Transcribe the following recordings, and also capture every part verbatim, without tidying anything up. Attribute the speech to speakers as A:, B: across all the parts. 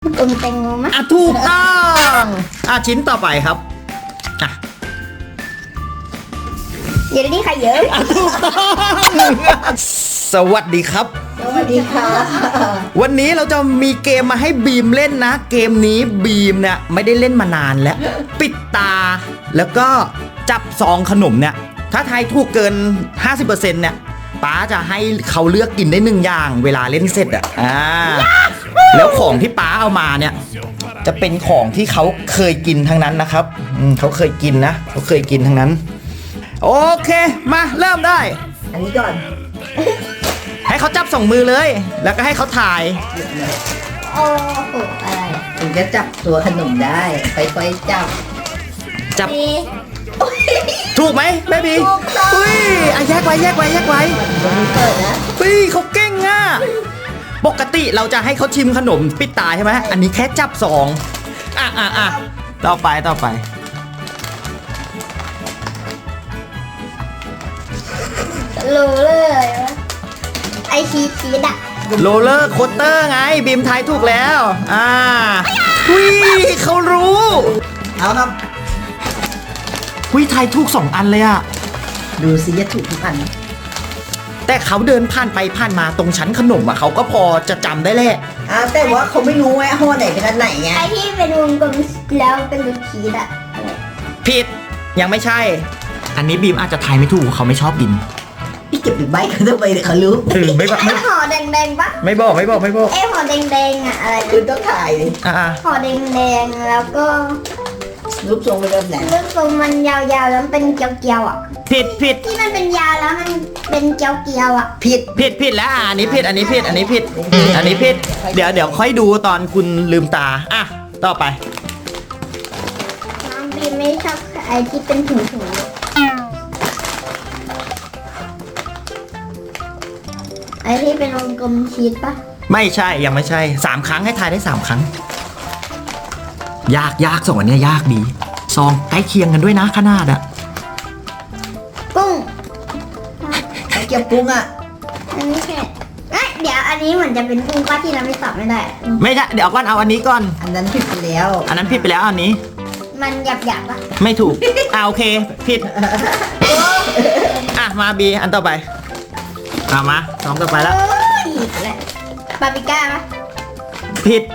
A: อมแตงโมไหม
B: อ่ะถูกต้องอ่ะชิ้นต่อไปครับอ่ะ
A: เยลลี่ไข่เยอะ
B: อ่ะถูกต้องสวัสดีครับ
C: สวัสดีค่ะ
B: วันนี้เราจะมีเกมมาให้บีมเล่นนะ เกมนี้บีมเนี่ยไม่ได้เล่นมานานแล้ว ปิดตาแล้วก็จับซองขนมเนี่ยถ้าทายถูกเกิน ห้าสิบเปอร์เซ็นต์ เนี่ยป๊าจะให้เขาเลือกกินได้หนึ่งอย่างเวลาเล่นเสร็จอ่ะอ่าแล้วของที่ป๊าเอามาเนี่ยจะเป็นของที่เขาเคยกินทั้งนั้นนะครับอืมเขาเคยกินนะเขาเคยกินทั้งนั้น โอเคมาเริ่มได้
C: อันนี้ก่อน
B: ให้เขาจับสองมือเลย แล้วก็ให้เขาถ่าย
A: โอ้โหอะไร
C: ถึงจะจับตัวขนมได้ค่อยๆจับ
B: จับ
A: นี่
B: ถูกไหมแม่บี
A: ถูกต้อง
B: อุ้ยอ่ะแยกไว้แยกไว้แยกไว้
C: ตรงนี้เปิดนะ
B: อุ้ยเขาเก่งอ่ะปกติเราจะให้เขาชิมขนมปิดตาใช่ไหมอันนี้แค่จับสองอ่ะอ่ะอ่ะต่อไปต่อไป
A: รู้เลยว่าไอชีชีดอะ
B: โรลเลอร์โคสเตอร์ไงบีมทายถูกแล้วอ่าอุ้ยเขารู้
C: เอาครับ
B: อุ้ยทายถูกสองอันเลยอ่ะ
C: ดูสิจะถูกทุกอัน
B: แต่เขาเดินผ่านไปผ่านมาตรงชั้นขนมอ่ะเขาก็พอจะจำได้แหละ
C: อ่าแต่ว่าเขาไม่รู้ไงห้อไหนเป็นอันไหนไง
A: ไอที่เป็นวงกลมแล้วเป็นลูกชีดอะอะไร
B: ผิดยังไม่ใช่ อันนี้บีมอาจจะทายไม่ถูกเขาไม่ชอบกิน
C: พี่เก็บหรือใบเขาทำไมเดี๋ยวเขารู้
B: เออไม่บอก
A: ไอ
B: ไม่
A: ห่อแดงๆปะ
B: ไม่บอกไม่บอกไม่บอก
A: ไอห่อแดงๆอะอะไร
C: คุ
A: นะ
C: ณต้องถ่ายดิ
B: อ่า
A: ห่อแดงๆแล้วก็
C: รูปทรงเป็นแบบไหน
A: เรื่องทรงมันยาวๆแล้วมันเป็นเกลียวๆอะ
B: ผิดผิด
A: ที่มันเป็นยาวแล้วมันเป็นเกลียวๆอะ
C: ผิด
B: ผิดผิดแล้วอ่ะอันนี้ผิดอันนี้ผิดอันนี้ผิดอันนี้ผิดเดี๋ยวเดี๋ยวค่อยดูตอนคุณลืมตาอ่ะต่อไป
A: น้องบีไม่ชอบไอที่เป็นถุงๆไอที่เป็นวงกลมชีสปะ
B: ไม่ใช่ยังไม่ใช่สามครั้งให้ทายได้สามครั้ง ยากยากสองอันเนี้ยยากดีซองใกล้เคียงกันด้วยนะขนาดอะ
A: กุ้ง
C: ไอ้เก็บกุ้งอ่ะ
A: อันนี้แค่เอ้ยเดี๋ยวอันนี้เหมือนจะเป็นกุ้งป้าที่เราไม่ตอบไม่ได้อะ
B: ไม่ใช่เดี๋ยวก่อนเอาอันนี้ก่อน
C: อันนั้นผิดไปแล้ว
B: อันนั้นผิดไปแล้วอันนี้
A: มันหยาบหยาบๆปะ
B: ไม่ถูกอ่าโอเคผิดอ่ะมาบีอันต่อไปเอามาสองต่อไปแล้ว
A: โอ้ยอีกแล้วบาร์บีก้าปะ
B: ผิด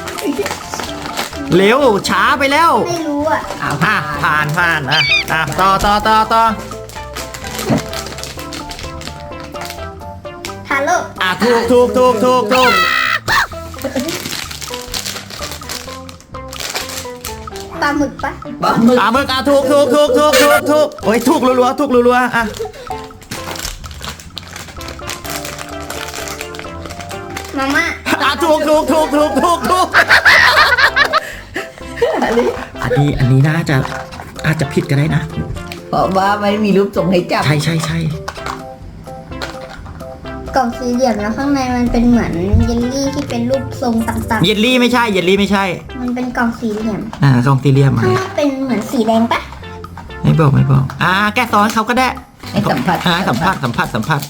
B: เร็วช้าไปแล้ว
A: ไม่รู้อ่ะ
C: อ้าว
B: อ่ะผ่านผ่านอ่ะอ่ะต่อต่อต่อต่อ
A: ทาโร่
B: อ่ะถูกถูกถูกถูกถูก
A: ปลาหมึกปะ
C: ปลาหมึก
B: อ่ะมึกอ่ะถูกถูกถูกถูกถูกถูกโอ้ยถูกรัวๆถูกรัวๆอ่ะ
A: มาม่า
B: อ่ะถูกถูกถูกถูกถูกถูก
C: อันนี้
B: อันนี้อันนี้น่าจะอาจจะผิดก็ได้นะ
C: เพราะว่าไม่มีรูปทรงให้จับ
B: ใช่ใช่ใช่
A: กล่องสี่เหลี่ยมแล้วข้างในมันเป็นเหมือนเยลลี่ที่เป็นรูปทรงต่าง
B: เยลลี่ไม่ใช่เยลลี่ไม่ใช่
A: ๆ มันเป็นกล่องสี่เหลี่ยม
B: อ่ากล่องสี่เหลี่ยมมา
A: ข้างนอกเป็นเหมือนสีแดงปะ
B: ไม่บอกไม่บอกอ่าแกะซอนเขาก็ได้
C: ให้สัมผัส
B: อ่าสัมผัสสัมผัสสัมผัส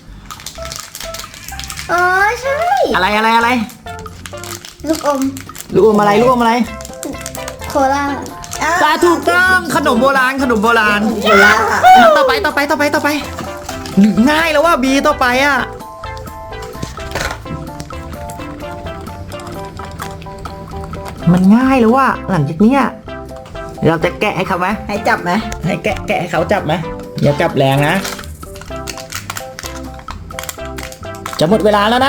A: อ๋อใช่
B: อะไรอะไรอะไร
A: ลูกอม
B: ลูกอมอะไรลูกอมอะไร
A: โคลา
B: ปลาถูกต้องขนมโบราณขนมโบราณ
C: โคลา
B: ต่อไปต่อไปต่อไปต่อไปง่ายแล้วว่าบีต่อไปอ่ะมันง่ายแล้วว่าหลังจากเนี้ยเราจะแกะให้เขาไหม
C: ให้จับไหม
B: ให้แกะแกะให้เขาจับไหมอย่าจับแรงนะ จะหมดเวลาแล้วนะ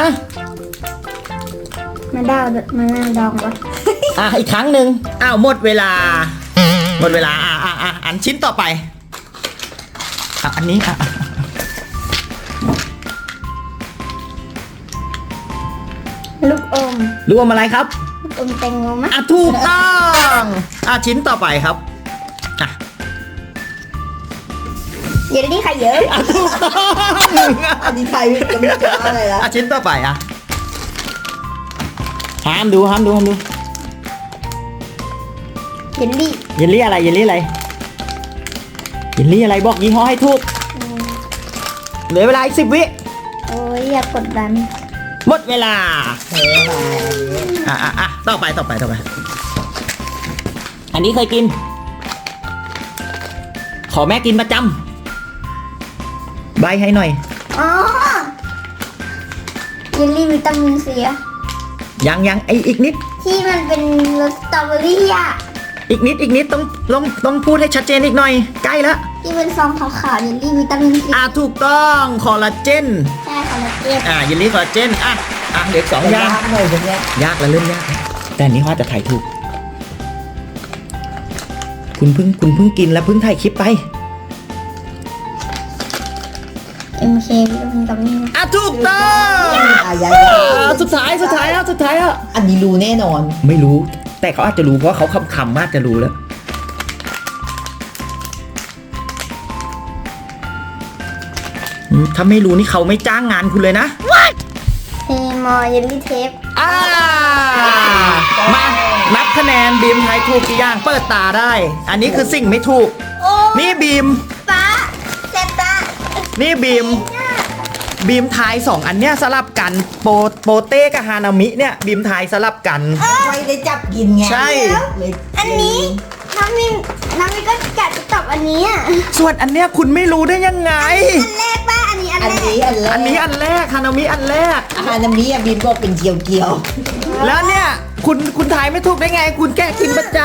A: มาดาวมานาดองปะ
B: อ่ะอีกครั้งหนึ่งอ้าวหมดเวลา หมดเวลาอ่ะอ่ะอ่ะอันชิ้นต่อไปอ่ะอันนี้อ่ะ
A: ลูกอม
B: รวมอะไรครับ
A: ลูกอมแตงโมไหม
B: อ่ะถูกต้องอ่ะชิ้นต่อไปครับอ่ะ
A: เยลลี่ไข่เยอะ
B: อ่ะถูกต้อง
C: อันนี้ใครจะไม่จะอะไรละ
B: อ่ะชิ้นต่อไปอ่ะห้ามดูห้ามดูห้ามดู
A: เยลลี่
B: เยลลี่อะไรเยลลี่อะไรเยลลี่อะไรบอกยี่ห้อให้ถูก
A: อืม
B: เหลือเวลาอีกสิบวิ
A: โอ้ยอย่ากดดัน
B: หมดเวลา
C: เฮ้ยไป
B: อ่ะอ่ะอ่ะต่อไปต่อไปต่อไป อันนี้เคยกิน ขอแม่กินประจำใบให้หน่อย
A: อ๋อเยลลี่วิตามินซีอะ
B: ยังยังไออีกนิด
A: ที่มันเป็นรสสตรอเบอรี่อะ
B: อีกนิดอีกนิดต้องต้องต้องพูดให้ชัดเจนอีกหน่อย ใกล้แล้ว
A: ที่เป็นซองขาวๆเยลลี่วิตามินซี
B: อ่ะถูกต้องคอลลาเจน
A: ใช่คอลลาเจน
B: อ่ะเยลลี่คอลลาเจนอ่ะอ่ะเหลืออกสอง
C: แต่
B: อย่าง
C: ยากหน่อยตรงเนี้ย
B: ยากแล้วเริ่มยากแล้วแต่อันนี้ว่าจะถ่ายถูก คุณเพิ่งคุณเพิ่งกินแล้วเพิ่งถ่ายคลิปไป
A: เอ็มเควิตามินกัมมี่
B: อ่ะถูกต้อง
C: อายา
B: อ่ะสุดท้ายสุดท้ายแล้วสุดท้ายแล้ว
C: อันนี้รู้แน่นอน
B: ไม่รู้ แต่เขาอาจจะรู้เพราะเขาคำคำๆมากจะรู้แล้วอืมถ้าไม่รู้นี่เขาไม่จ้างงานคุณเลยนะ
A: เฮมอเยลลี่เทป
B: อ่ามานับคะแนนบีมทายถูกกี่อย่างเปิดตาได้ อันนี้คือสิ่งไม่ถูก
A: โอ้
B: นี่บีม
A: ป้าเซตตา
B: นี่บีม บีมทายสองอันเนี้ยสลับกันโปโปเต้กับฮานามิเนี่ยบีมทายสลับกัน
C: ไม่ได้จับกินไง
B: ใช่
C: เลย
A: อันนี้น้ำมินน้ำมินก็กะจะตอบอันนี้อ่ะ
B: ส่วนอันเนี้ยคุณไม่รู้ได้ยังไง
A: อันแรกป้าอันนี้อัน
C: อัน
A: แรก
C: นี้อันแรก
B: อันนี้อันแรกฮานามิอันแรก
C: อาหารน้ำมีอะบินบอกเป็นเกียวเกียว
B: แล้วเนี่ยคุณคุณทายไม่ถูกได้ไง คุณแก้กินประจ
A: อ่า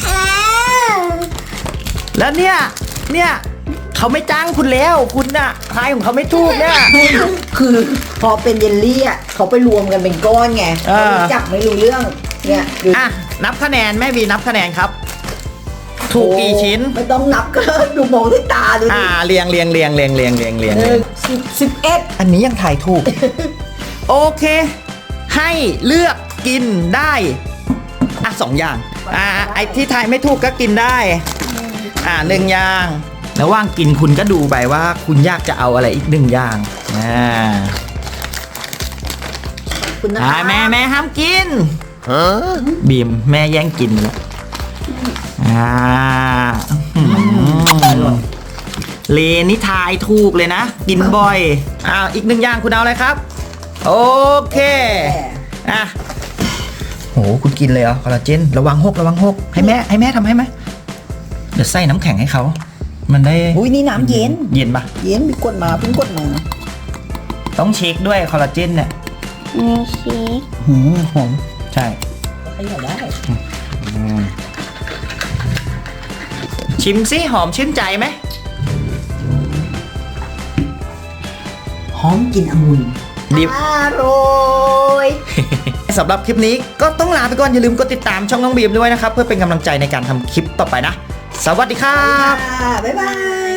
B: ำแล้วเนี่ยเนี่ยเขาไม่จ้างคุณแล้วคุณน่ะทายของเขาไม่ถูกเนี่ย
C: คือพอเป็นเยลลี่อ่ะเขาไปรวมกันเป็นก้อนไง
B: เออ
C: เขาจับไม่รู้เรื่องเนี่ยดู
B: อ่ะนับคะแนนแม่บีนับคะแนนครับ ถูกกี่ชิ้น
C: ไม่ต้องนับก็ดูมองด้วยตาดูดิ
B: อ่าเรียงเรียงเรียงเรียงเรียงเรียงเรียง
C: ห
B: เรีย
C: นึ่
B: ง
C: งสิบสิบเอ็ด
B: อันนี้ยังถ่ายถูก โอเค ให้เลือกกินได้อ่ะสองอย่างอ่าไอที่ทายไม่ถูกก็กินได้ อ่าหนึ่งอย่างระหว่างกินคุณก็ดูไปว่า คุณอยากจะเอาอะไรอีกหนึ่งอย่างอ่า
C: คุณนะ
B: อ่าแม่แม่ห้ามกินบีมแม่แย่งกินแล้วอ่าอื้อหือเลนี่ทายถูกเลยนะ กินบ่อยอ่าอีกหนึ่งอย่างคุณเอาอะไรครับ โอเคอ่ะโหคุณกินเลยเหรอคอลลาเจนระวังหกระวังหกให้แม่ให้แม่ทำให้ไหมเดี๋ยวใส่น้ำแข็งให้เขามันได้
C: อุ้ยนี่น้ำเย็น
B: เย็นปะ
C: เย็นมีกดมาเพิ่งกดมา
B: ต้องเช็คด้วยคอลลาเจนเนี่ย
A: มีชีส
C: หืมหอม
B: ใช่
C: ขยับได้
B: ชิมซิหอมชื่นใจไหม
C: หอมกลินองุ่น
B: ดิบ
A: อร่อย
B: สำหรับคลิปนี้ก็ต้องลาไปก่อน อย่าลืมกดติดตามช่องน้องบีมด้วยนะครับ เพื่อเป็นกำลังใจในการทำคลิปต่อไปนะ สวัสดีครับ
C: บ๊ายบาย